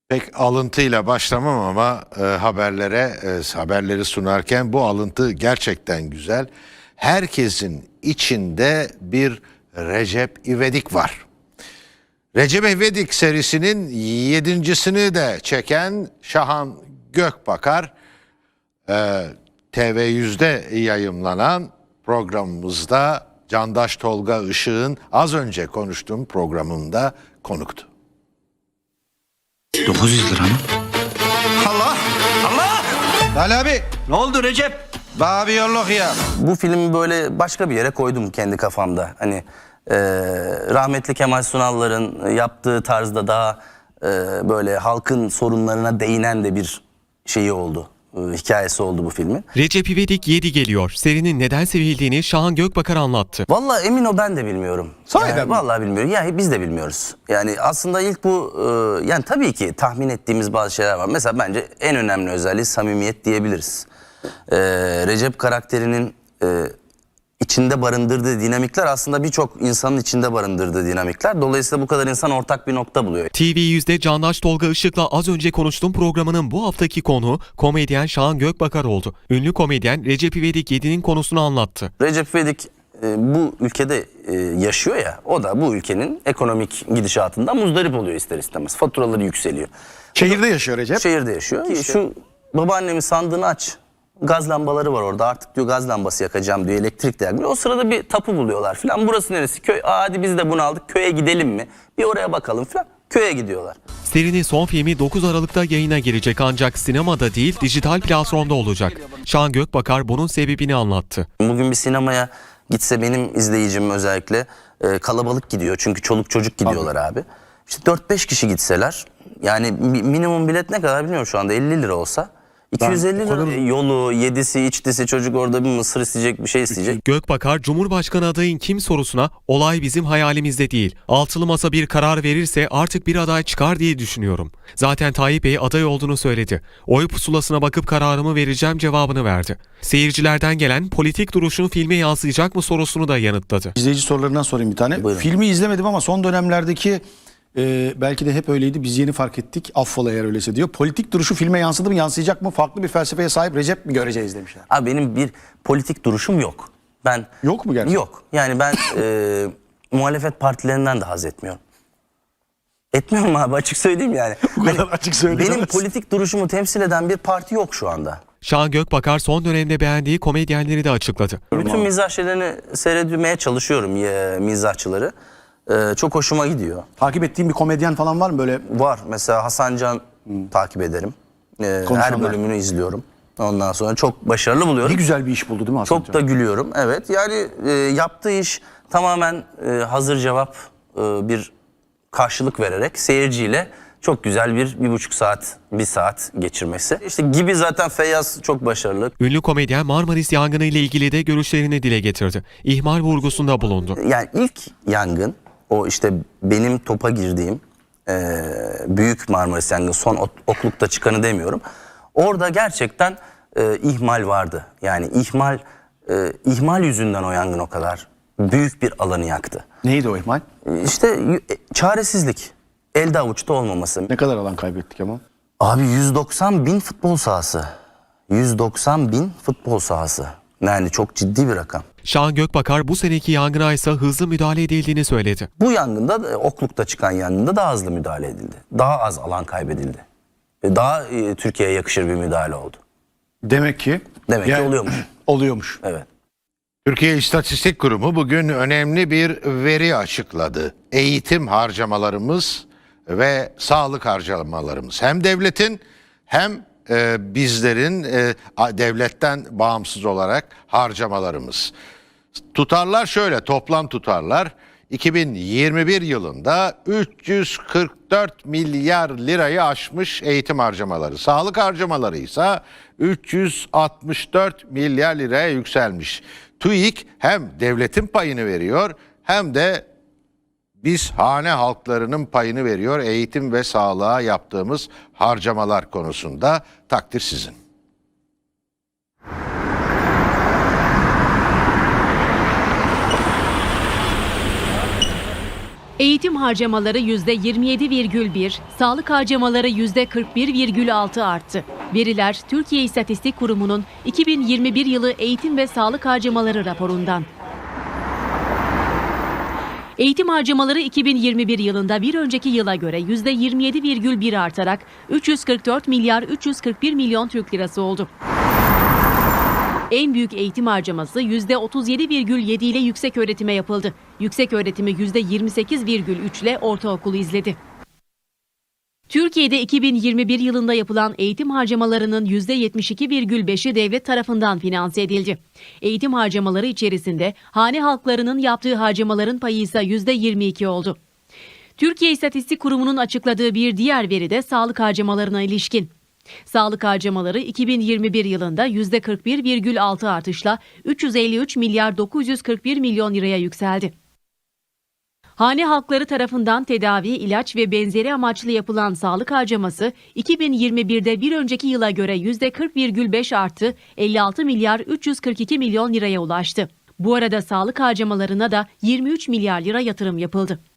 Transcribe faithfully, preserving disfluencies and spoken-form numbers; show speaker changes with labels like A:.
A: Pek alıntıyla başlamam ama e, haberlere e, haberleri sunarken bu alıntı gerçekten güzel. Herkesin içinde bir Recep İvedik var. Recep İvedik serisinin yedincisini de çeken Şahan Gökbakar e, T V yüzde yayımlanan programımızda Candaş Tolga Işık'ın az önce konuştuğum programında konuktu.
B: dokuz yüz lira mı?
C: Allah! Allah! Ali abi!
B: Ne oldu Recep?
C: Bana bir yolluk ya.
D: Bu filmi böyle başka bir yere koydum kendi kafamda. Hani e, rahmetli Kemal Sunal'ların yaptığı tarzda daha e, böyle halkın sorunlarına değinen de bir şeyi oldu. E, hikayesi oldu bu filmin.
E: Recep İvedik yedi geliyor. Serinin neden sevildiğini Şahan Gökbakar anlattı.
D: Vallahi emin o ben de bilmiyorum.
C: Sahiden
D: yani,
C: mi?
D: Vallahi bilmiyorum. Yani biz de bilmiyoruz. Yani aslında ilk bu e, yani tabii ki tahmin ettiğimiz bazı şeyler var. Mesela bence en önemli özelliği samimiyet diyebiliriz. E, Recep karakterinin e, içinde barındırdığı dinamikler aslında birçok insanın içinde barındırdığı dinamikler. Dolayısıyla bu kadar insan ortak bir nokta buluyor.
E: T V yüzde Candaş Tolga Işık'la az önce konuştuğum programının bu haftaki konuğu komedyen Şahan Gökbakar oldu. Ünlü komedyen Recep İvedik yedi'nin konusunu anlattı.
D: Recep İvedik e, bu ülkede e, yaşıyor ya, o da bu ülkenin ekonomik gidişatından muzdarip oluyor ister istemez. Faturaları yükseliyor.
C: Şehirde yaşıyor Recep.
D: Şehirde yaşıyor. Ki şu babaannemin sandığını aç. Gaz lambaları var orada. Artık diyor gaz lambası yakacağım diyor. Elektrik de yakmıyor. O sırada bir tapu buluyorlar falan. Burası neresi? Köy. Aa, hadi biz de bunu aldık. Köye gidelim mi? Bir oraya bakalım falan. Köye gidiyorlar.
E: Serinin son filmi dokuz Aralık'ta yayına girecek ancak sinemada değil dijital platformda olacak. Şahan Gökbakar bunun sebebini anlattı.
D: Bugün bir sinemaya gitse benim izleyicim özellikle e, kalabalık gidiyor. Çünkü çoluk çocuk gidiyorlar abi. İşte dört beş kişi gitseler yani mi- minimum bilet ne kadar bilmiyorum şu anda elli lira olsa. iki yüz elli lira yolu, yedisi, içtisi, çocuk orada bir mısır isteyecek, bir şey isteyecek.
E: Gökbakar, Cumhurbaşkanı adayın kim sorusuna olay bizim hayalimizde değil. Altılı masa bir karar verirse artık bir aday çıkar diye düşünüyorum. Zaten Tayyip Bey aday olduğunu söyledi. Oy pusulasına bakıp kararımı vereceğim cevabını verdi. Seyircilerden gelen politik duruşun filme yansıyacak mı sorusunu da yanıtladı.
F: İzleyici sorularından sorayım bir tane.
D: Buyurun.
F: Filmi izlemedim ama son dönemlerdeki e, belki de hep öyleydi. Biz yeni fark ettik. Affola eğer öyleyse diyor. Politik duruşu filme yansıdı mı, yansıyacak mı? Farklı bir felsefeye sahip Recep mi göreceğiz demişler.
D: Abi benim bir politik duruşum yok. Ben
F: Yok mu gerçekten?
D: Yok. Yani ben e, muhalefet partilerinden de haz etmiyorum. Etmiyorum abi, açık söyleyeyim yani.
F: Bu kadar açık söyleyemezsin.
D: Benim politik duruşumu temsil eden bir parti yok şu anda.
E: Şahan Gökbakar son dönemde beğendiği komedyenleri de açıkladı.
D: Bütün mizah şeylerini seyretmeye çalışıyorum ya, mizahçıları. Ee, çok hoşuma gidiyor.
F: Takip ettiğin bir komedyen falan var mı böyle?
D: Var mesela Hasan Can takip ederim. Ee, her
F: Konuşanlar.
D: bölümünü izliyorum. Ondan sonra çok başarılı buluyorum.
F: Ne güzel bir iş buldu değil mi Hasan
D: Çok
F: Can?
D: da gülüyorum. Evet yani e, yaptığı iş tamamen e, hazır cevap e, bir karşılık vererek seyirciyle çok güzel bir bir buçuk saat, bir saat geçirmesi. İşte gibi zaten Feyyaz çok başarılı.
E: Ünlü komedyen Marmaris yangını ile ilgili de görüşlerini dile getirdi. İhmal vurgusunda bulundu.
D: Yani ilk yangın, o işte benim topa girdiğim e, büyük Marmaris yangını, son ok- oklukta çıkanı demiyorum. Orada gerçekten e, ihmal vardı. Yani ihmal e, ihmal yüzünden o yangın o kadar büyük bir alanı yaktı.
F: Neydi o ihmal?
D: İşte y- çaresizlik, elde avuçta olmaması.
F: Ne kadar alan kaybettik ama?
D: Abi yüz doksan bin futbol sahası. yüz doksan bin futbol sahası. Yani çok ciddi bir rakam.
E: Şahan Gökbakar bu seneki yangına ise hızlı müdahale edildiğini söyledi.
D: Bu yangında, da, Okluk'ta çıkan yangında daha hızlı müdahale edildi. Daha az alan kaybedildi. Ve daha e, Türkiye'ye yakışır bir müdahale oldu.
F: Demek ki.
D: Demek ki oluyormuş.
F: Oluyormuş.
D: Evet.
A: Türkiye İstatistik Kurumu bugün önemli bir veri açıkladı. Eğitim harcamalarımız ve sağlık harcamalarımız hem devletin hem e, bizlerin e, a- devletten bağımsız olarak harcamalarımız. Tutarlar şöyle, toplam tutarlar iki bin yirmi bir yılında üç yüz kırk dört milyar lirayı aşmış eğitim harcamaları. Sağlık harcamaları ise üç yüz altmış dört milyar liraya yükselmiş. TÜİK hem devletin payını veriyor hem de biz hane halklarının payını veriyor eğitim ve sağlığa yaptığımız harcamalar konusunda. Takdir sizin.
B: Eğitim harcamaları yüzde yirmi yedi virgül bir, sağlık harcamaları yüzde kırk bir virgül altı arttı. Veriler Türkiye İstatistik Kurumu'nun iki bin yirmi bir yılı eğitim ve sağlık harcamaları raporundan. Eğitim harcamaları iki bin yirmi bir yılında bir önceki yıla göre yüzde yirmi yedi virgül bir artarak üç yüz kırk dört milyar üç yüz kırk bir milyon Türk lirası oldu. En büyük eğitim harcaması yüzde otuz yedi virgül yedi ile yüksek öğretime yapıldı. Yüksek öğretimi yüzde yirmi sekiz virgül üç ile ortaokulu izledi. Türkiye'de iki bin yirmi bir yılında yapılan eğitim harcamalarının yüzde yetmiş iki virgül beşi devlet tarafından finanse edildi. Eğitim harcamaları içerisinde hane halklarının yaptığı harcamaların payı ise yüzde yirmi iki oldu. Türkiye İstatistik Kurumu'nun açıkladığı bir diğer veri de sağlık harcamalarına ilişkin. Sağlık harcamaları iki bin yirmi bir yılında yüzde kırk bir virgül altı artışla üç yüz elli üç milyar dokuz yüz kırk bir milyon liraya yükseldi. Hane halkları tarafından tedavi, ilaç ve benzeri amaçlı yapılan sağlık harcaması iki bin yirmi birde bir önceki yıla göre yüzde kırk virgül beş arttı, elli altı milyar üç yüz kırk iki milyon liraya ulaştı. Bu arada sağlık harcamalarına da yirmi üç milyar lira yatırım yapıldı.